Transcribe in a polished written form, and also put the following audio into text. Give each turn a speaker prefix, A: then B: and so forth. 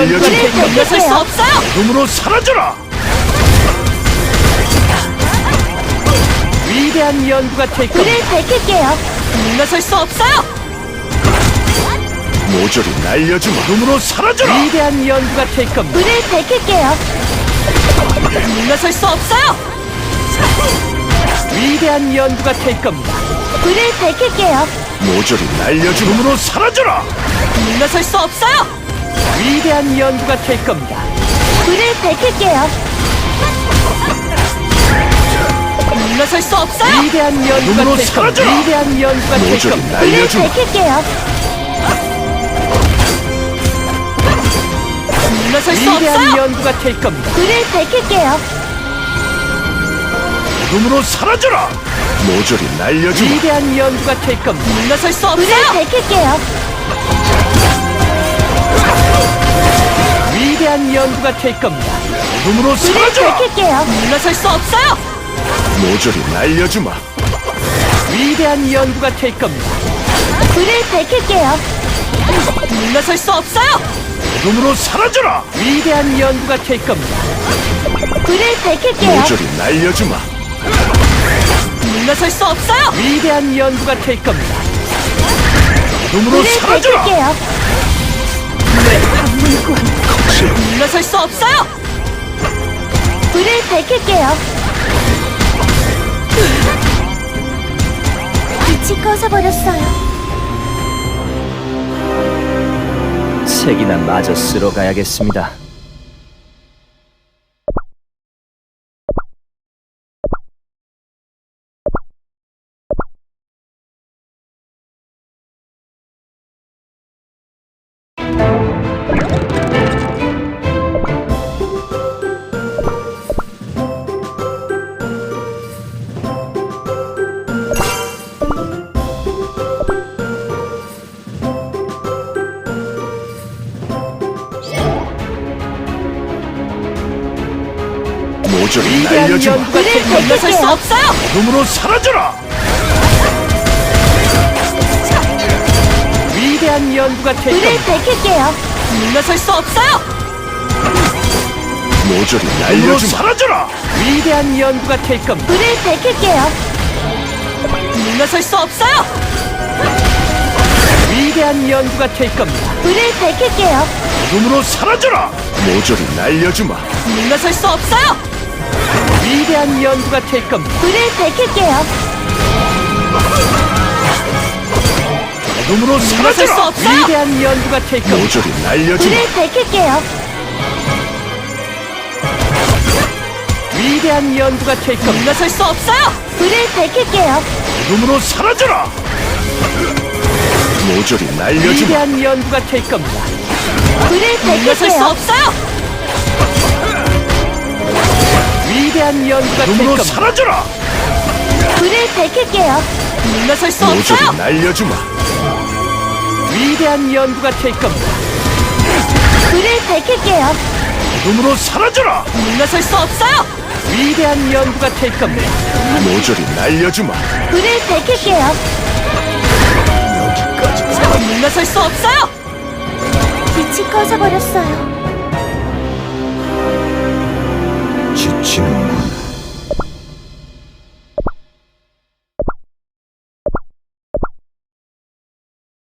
A: 날려주마.
B: 물러설 수 없어요.
A: 어둠으로 사라져라.
C: 위대한 연구가 될
B: 불을
C: 겁니다.
B: 밝힐게요. 물러설 수 없어요.
A: 모조리 날려주마. 어둠으로 사라져라.
C: 위대한 연구가 될 겁니다.
B: 불을 밝힐게요. 물러설 수 없어요.
C: 위대한 연구가 될 겁니다.
B: 불을 밝힐게요.
A: 모조리 날려주마. 어둠으로 사라져라.
B: 물러설 수 없어요.
C: 위대한 연구가 될 겁니다.
B: 불을 밝힐게요. 물러설 수 없어요.
C: 위대한 연구가
A: 눈으로
C: 될 겁니다.
A: 사라져라.
C: 위대한 연구가 될
A: 모조리
C: 겁니다.
B: 불을
A: 날려주마.
B: 밝힐게요. 물러설 수
C: 위대한
B: 없어요.
C: 연구가 될 겁니다.
B: 불을 밝힐게요.
A: 어둠으로 사라져라. 모조리 날려주마.
C: 위대한 연구가 될 겁니다.
B: 물러설 수 불을 없어요. 밝힐게요.
C: 위대한 연구가 될 겁니다.
A: 어둠으로
B: 불을
A: 사라져라.
B: 밝힐게요. 물러설 수 없어요.
A: 모조리 날려주마.
C: 위대한 연구가 될 겁니다.
B: 불을 밝힐게요. 물러설 수 없어요.
A: 어둠으로 사라져라.
C: 위대한 연구가 될 겁니다.
B: 불을 밝힐게요.
A: 모조리 날려주마.
B: 물러설 수 없어요.
C: 위대한 연구가 될 겁니다.
A: 어둠으로
B: 불을
A: 사라져라.
B: 밝힐게요. 물러설 수 없어요. 불을 밝힐게요. 빛이 꺼져버렸어요.
C: 책이나 마저 쓰러 가야겠습니다.
A: 모조리
C: 위대한
A: 날려주마.
C: 연구가 될
B: 불을
C: 겁니다.
B: 물러설 수 없어요.
A: 어둠으로 사라져라.
C: 위대한 연구가 될
B: 불을
C: 겁니다.
B: 밝힐게요. 물러설 수 없어요.
A: 모조리
C: 어둠으로
A: 날려주마. 사라져라.
C: 위대한 연구가 될 겁니다.
B: 불을 밝힐게요. 물러설 수 없어요.
C: 위대한 연구가 될 겁니다.
B: 불을 밝힐게요.
A: 어둠으로 사라져라. 모조리 날려주마.
B: 물러설 수 없어요.
C: 위대한 연구가 될 겁니다.
B: 불을 밝힐게요.
A: 어둠으로
B: 물러설 수
A: 사라져라.
B: 없어요.
C: 위대한 연구가 될 겁니다.
A: 모조리 날려주마.
B: 불을 밝힐게요.
C: 위대한 연구가 될 겁니다.
B: 물러설 수 없어요. 불을 밝힐게요.
A: 어둠으로 사라져라. 모조리 날려주마.
C: 위대한 연구가 될 겁니다.
B: 불을 물러설 수 밝힐게요. 없어요.
C: 위대한 연구가 될
A: 어둠으로
C: 겁니다.
A: 사라져라.
B: 불을 밝힐게요. 물러설 수
A: 모조리
B: 없어요.
A: 날려주마.
C: 위대한 연구가 될 겁니다.
B: 불을 밝힐게요.
A: 어둠으로 사라져라.
B: 물러설 수 없어요.
C: 위대한 연구가 될 겁니다.
A: 모조리 날려주마.
B: 불을 밝힐게요. 물러설 수 없어요. 빛이 꺼져버렸어요.
A: 지치는군.